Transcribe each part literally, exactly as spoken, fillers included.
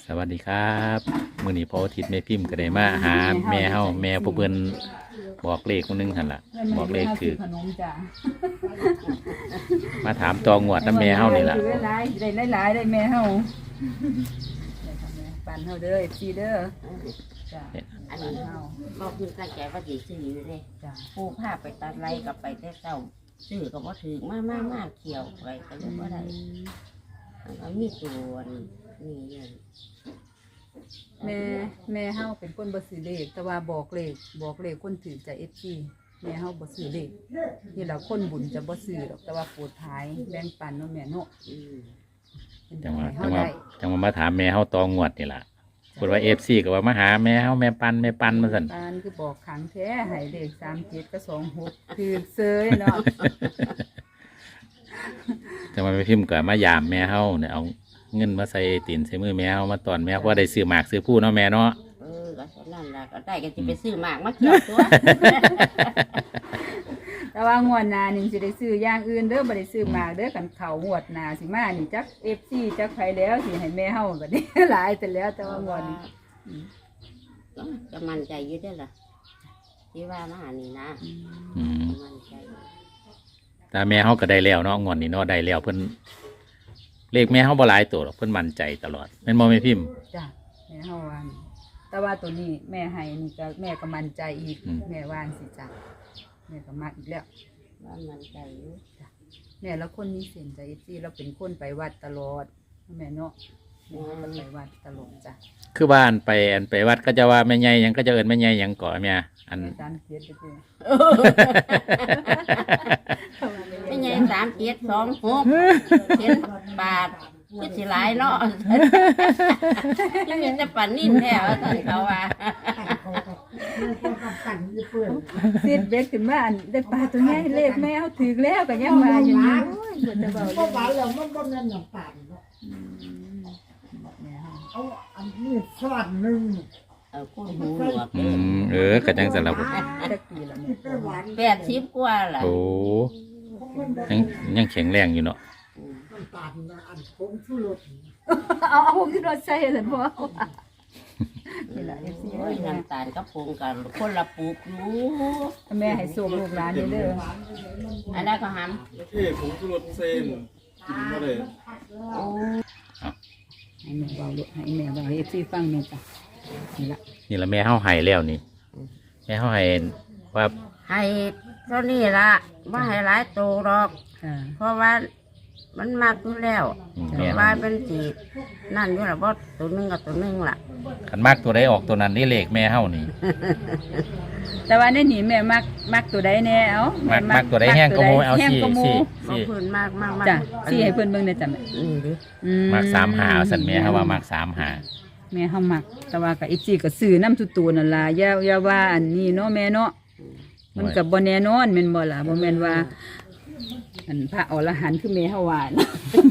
สวัสดีครับมื้อนี้พออาทิตย์แม่พิมพ์ก็ได้มาหาแม่เฮาแม่ผู้เพิ่นบอกเลขคนนึงหั่นล่ะบอกเลขคือมาถามตองวดน้ำแม่เฮานี่ล่ะได้หลายได้หลายได้แม่เฮาปั่นเฮาเด้อซีเด้อจ้ะอันนี้บอกคือตั้งใจว่าสิซื้ออยู่เลยจ้ะผู้พาไปตัดไรกับไปแต่เช้าซื้อก็บ่ถึงมากมากมากเขียวไปก็เลยบ่ได้แล้วมีตัวนี่นี่แม่แม่เฮาเป็นคนบ่ซื้อเลขแต่ว่าบอกเลขบอกเลขคนถือใจ เอฟ ซี แม่เฮาบ่ซื้อเลขนี่ล่ะคนบุญจะบ่ซื้อดอกแต่ว่าโปรดท้ายแบ่งปันเนาะแม่เนาะอืมจังหวะเฮาจังหวะได้จังหวะมาถามแม่เฮาตองวดนี่ล่ะพูดว่า เอฟ ซี ก็ว่ามาหาแม่เฮาแม่ปันแม่ปันมาซั่นปานคือบอกขังแท้ให้เลขสามเจ็ดกับสองหกคือเซยเนาะจังหวะแม่พิมพ์ก็มายามแม่เฮาเนี่ยเอาเงินมาใส่ตีนใส่มือแม่เฮามาตอนแม่เพราะว่าได้ซื้อหมากซื้อผู้เนาะแม่เนาะเออก็ฉะนั้นล่ะก็ได้ก็สิไปซื้อหมากมาเขียวตัวแต่ว่างวดหน้านี่สิได้ซื้ออย่างอื่นเด้อบ่ได้ซื้อหมากเด้อกันเขางวดหน้าสิมานี่จัก เอฟ ซี จักไผแล้วสิให้แม่เฮาบัดนี้ หลายแต่แล้วแต่ว่างวดนี้จะมั่นใจอยู่ได้อล่ะที่ว่ามานี่นะอืมมั่นใจแต่แม่เฮาก็ได้แล้วเนาะงวดนี้เนาะได้แล้วเพิ่นเลขแม่เฮาบ่หลายตัวหรอกเพิ่นมั่นใจตลอดแม่นบ่แม่พิมพ์จ้ะแม่เฮาว่านี่แต่ว่าตัวนี้แม่ให้นี่ก็แม่ก็มั่นใจอีกอืมแม่ว่าสิจ้ะแม่ก็มักอีกแล้วว่ามั่นใจอยู่แม่แล้วคนนี้เส้นใจ เอฟ ซี เราเป็นคนไปวัดตลอดแม่เนาะแม่ก็ไปวัดตลอดจ้ะคือบ้านไปอันไปวัดก็จะว่าแม่ใหญ่หยังก็จะเอิ้นแม่ใหญ่หยังก่อแม่อันแม่สามเจ็ดเด้อไม่ใช่สามเจ็ดสองหกเจ็ดบาทคือสิหลายเนาะยังมีแต่ปันนิ่มแท้ว่าท่านเขาว่าซีดเบ็ดขึ้นมาอันได้ปลาตัวใหญ่เลขแม่เอาถือแล้วก็ยังมาอยู่นี่โอ้ยบ่จะเบาก็หเลวานยแล้วมันบ่แม่นน้ำตาลเนาะแม่เฮาเอาอันนี้ช้อนหนึงเออคุณหูหนวกอืมเออก็จังซั่นล่ะจักปีละแม่ไปหวานแปดสิบกว่าล่ะโอ้ยังยังแข็งแรงอยู่เนาะน้ำตาลน่ะอันผงชูรสเอาเอาผมที่รถใส่ซั่นบ่นี่ล่ะ เอฟ ซีโอ้ยน้ำตาลกับผงกันคนละปลูกอยู่แม่ให้ส่งลูกหลานเด้ออันนั้นก็หเท่ผงชูรสเส้นกินมาเลยำโอ้ให้แม่เว้าลูกให้แม่เว้าให้ เอฟ ซี ฟังแม่จ้ะนี่ล่ะนี่ละแม่เฮาให้แล้วนี่แม่เฮาให้ว่าให้เท่านี้ละว่าให้หลายโตหรอกค่ะเพราะว่ามันมากอยู่แล้วอืมแต่แม่ว่าเป็นสีนั่นอยู่ละบ่ตัวหนึงกับตัวหนึงล่ะคันมากตัวใดออกตัวนั้นนี่เลขแม่เฮานี่แต่ว่าในนี่แม่มักมักตัวใดแน่เอ้ามักมักตัวใดแห้งก็โมเอาแห้งสิก็โมสิบ่สิเพื้นมากมากมากจ้ะสิให้เพิ่นเบิ่งได้จ้ะแม่นี่ดิอืมักสามหาสั่นแม่เฮาว่ามักสามหาแม่เฮามัก แต่ว่าก็ เอฟ ซี ก็ซื้อน้ำทุกตัวนั่นล่ะอย่าอย่าว่าอันนี้เนาะแม่เนาะมันก็บ่แน่นอนแม่นบ่ล่ะบ่แม่นว่าอันพระอรหันต์คือแม่เฮาว่านะ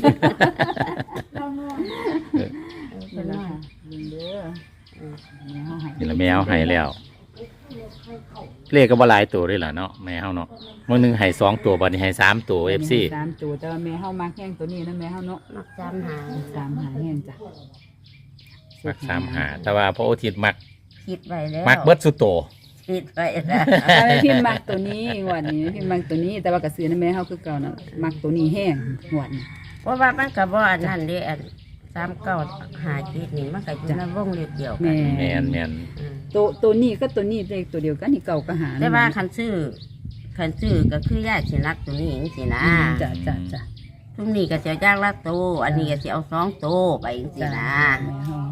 นี่ล่ะค่ะเบิ่งเด้อแม่เฮาให้นี่ละแม่เฮาให้แล้ว เลขก็บ่หลายตัวด้วยล่ะเนาะแม่เฮาเนาะมื้อหนึงให้สองตัวบัดนี้ให้สามตัว เอฟ ซีสามตัวแต่ว่าแม่เฮามักแห้งตัวนี้นะแม่เฮาเนาะมักจำหาสามหาแห้งจ้ะมักสามหาแต่ว่าพระอาทิตย์มักคิดไว้แล้วมักเบิดสุดโตคิดไว้แล้วแต่แม่พิมพ์มักตัวนี้งวดนี้พิมพ์มักตัวนี้ แต่ว่าก็ซื้อนะแม่เฮาคือเก่านะมักตัวนี้แห้งงวดนี้เพราะว่ามันก็บ่อันนั้นเด้อันสามเก้าหาคิดนี่มันก็อยู่ในวงเล็บเดียวกัแม่นแม่นแม่นอืมตัวตัวนี้ก็ตัวนี้เลขตัวเดียวกันนี่เก่าก็หาแต่ว่าคันซื้อคันซื้อก็คือย่าสิรักตัวนี้จังซี่นะอืมจ้ะจ้ะจ้ะทุกนี้ก็สิเอาย่างละโตวอันนี้ก็สิเอาสองโตวไปจังซี่จ้ะนะแม่เฮา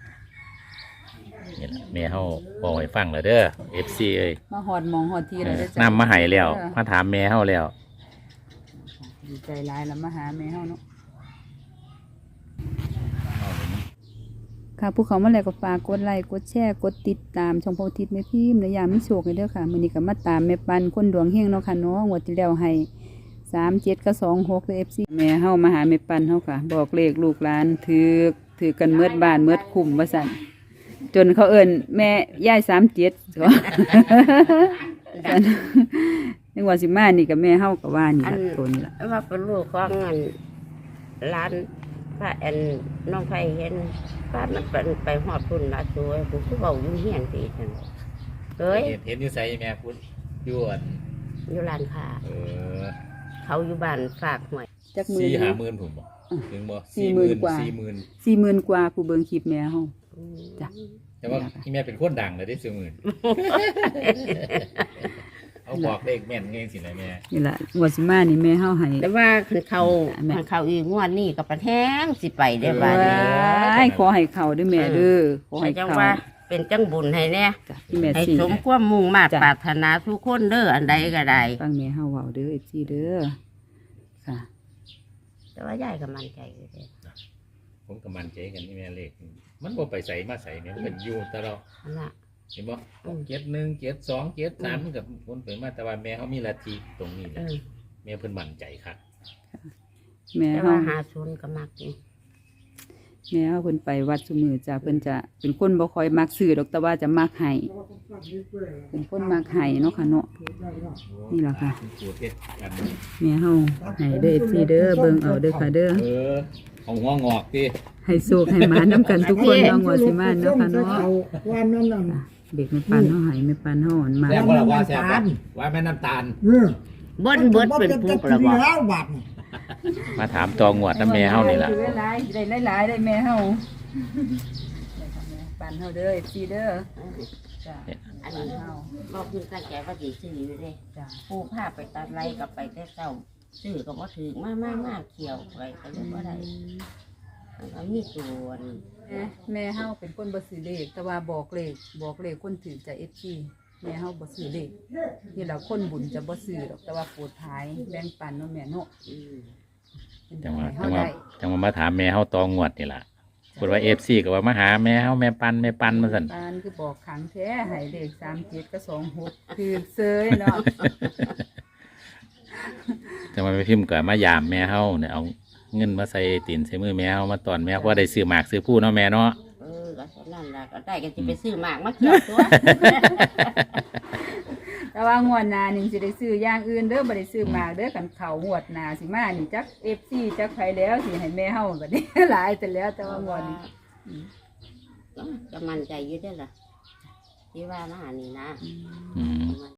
นี่ล่ะแม่เฮาบอกให้ฟังแล้วเด้อ เอฟ ซี เอ้ยมาหอดหมองหอดทีเอแล้วอเด้อจ้ะนำมาให้แล้วมาถามแม่เฮาแล้วดีใจหลายแล้วมาหาแม่เฮาเนาะค่ะผู้เขามาแล้วก็ฝากกดไลค์กดแชร์กดติดตามช่องโพธิตแม่พิมพ์ในยามมีโชคให้เด้อค่ะมื้อนี้ก็มาตามแม่ปันคนดวงเฮงเนาะค่ะเนาะงวดที่แล้วให้สามเจ็ดกับสองหกเลย เอฟ ซี แม่เฮามาหาแม่ปันเฮาค่ะ บอกเลขลูกหลานถือถือกันเมิดบ้านเมิดคุ้มว่าซั่นจนเขาเอิ้นแม่ย่ายสามเจ็ดก็ ซั่นนึกว่าสิมานี่กับแม่เฮาก็ว่านี่อันล่ะตัวนี้ล่ะว่าเป็นลูกของอันร้านพระแอนน้องไผเห็นพระมันเป็นไปหอดพุ่นละสวยกูคือเบาอยู่เฮียนตีจังเอ้ยเห็นเห็นอยู่ไสแม่พุทธอยวนอยู่ร้านค้าเออเขาอยู่บ้านฝากหวยจักมือสี่นี้ห้าหมื่นผมบ่ถึงบ่สี่หมื่นกว่าสี่หมื่นสี่หมื่นกว่าผู้เบิ่งคลิปแม่เฮา จ้ะแต่ว่าที่แม่เป็นคนดังเลยได้สี่หมื่นเอาบอกเลขแม่นเงี้ยสินะแม่นี่ล่ะงวดสิมานี่แม่เฮาให้แต่ว่าคือเขาแม่คันเขาอีกงวดนี้ก็ประแท้งสิไปได้บ้านนี้ว้ายขอให้เข้าเด้อแม่เด้อขอให้จังเข้าว่าเป็นจังบุญให้แน่จ้ะที่แม่ให้สิสมความมุ่งมาตรจ้ะปรารถนาทุกคนเด้ออันใดก็ได้ฟังแม่เฮาเว้าเด้อ เอฟ ซี เด้อค่ะแต่ว่ายายก็มั่นใจอยู่เด้ผมก็มั่นใจกันที่แม่เลขมันบ่ไปใส่มาใส่เนี่ยมันก็อยู่แต่เราอันน่ะเห็นบ่อืมเจ็ดหนึ่งเจ็ดสองเจ็ดสามมันกับคนไปมาแต่ว่าแม่เขามีลัทธิตรงนี้เอนะอแม่เพิ่นมั่นใจครับแม่แต่เฮาว่าหาศูนย์ก็มักอยู่แม่เฮาเพิ่นไปวัดซุมื้อจ้ะเพิ่นจะเป็นคนบ่ค่อยมักซื้อดอกแต่ว่าจะมักให้เป็นคนมักให้เนาะค่ะเนาะ นี่ล่ะค่ะปวดเฮ็ดกันแม่เฮาให้เด้อ เอฟ ซี เด้อเบิ่งเอาเด้อค่ะเด้อเออเอาหัวงอกติให้โชคให้หมานํกันทุกคนเนาะงวดสิมาเนาะค่ะเนาะวันนั้นน่ะเด็กแม่ปันเฮาให้แม่ปันเฮาอ่อนมาแซ่บบ่ล่ะว่าแซ่บบ่ว่าแม่น้ำตาลเออเบิ้นเบิ้นเป็นผู้ประบอกแล้วบาทนี่มาถามตองวดน้ำแม่เฮานี่ล่ะได้หลายได้หลายได้แม่เฮาปันเฮาเด้อ เอฟ ซี เด้อจ้ะอันนี้บอกคือตั้งใจว่าสิซื้ออยู่เด้จ้ะปูพาไปตัดไรกับไปแต่เช้าซื้อก็บ่ถึงมามามาเขียวไปก็เลยบ่ได้มันก็มีตัวนี่แม่แม่เฮาเป็นคนบ่ซื้อเลขแต่ว่าบอกเลขบอกเลขคนถือจาก เอฟ ซี แม่เฮาบ่ซื้อเลขนี่ล่ะคนบุญจะบ่ซื้อดอกแต่ว่าโปรดภายแบ่งปันเนาะแม่เนาะอืมเป็นจังหวะให้จัเฮางหวะได้จังหวะมาถามแม่เฮาตองวดนี่ล่ะพูดว่า เอฟ ซี ก็ว่ามาหาแม่เฮาแม่ปันแม่ปันมาซั่นปานคือบอกขังแท้ให้เลขสามเจ็ดกับสองหกคือเซยเนาะจังหวะไปพิมพ์ก็มายามแม่เฮาเนี่ยเอาเงินมาใส่ตีนใส่มือแม่เฮามาตอนแม่เพราะว่าได้ซื้อหมากซื้อผู้เนาะแม่เนาะเออก็เท่านั้นล่ะก็ได้ก็สิไปซื้อหมากมาเขียวตัวแต่ว่างวดหน้านี่สิได้ซื้ออย่างอื่นเด้อบ่ได้ซื้อหมากเด้อกันเข้างวดหน้าสิมานี่จัก เอฟ ซี จักไผแล้วสิให้แม่เฮาบัดนี้ หลายแต่แล้วแต่ว่างวดนี้ก็มั่นใจอยู่ได้อล่ะที่ว่ามาหานี่นะอืมมัน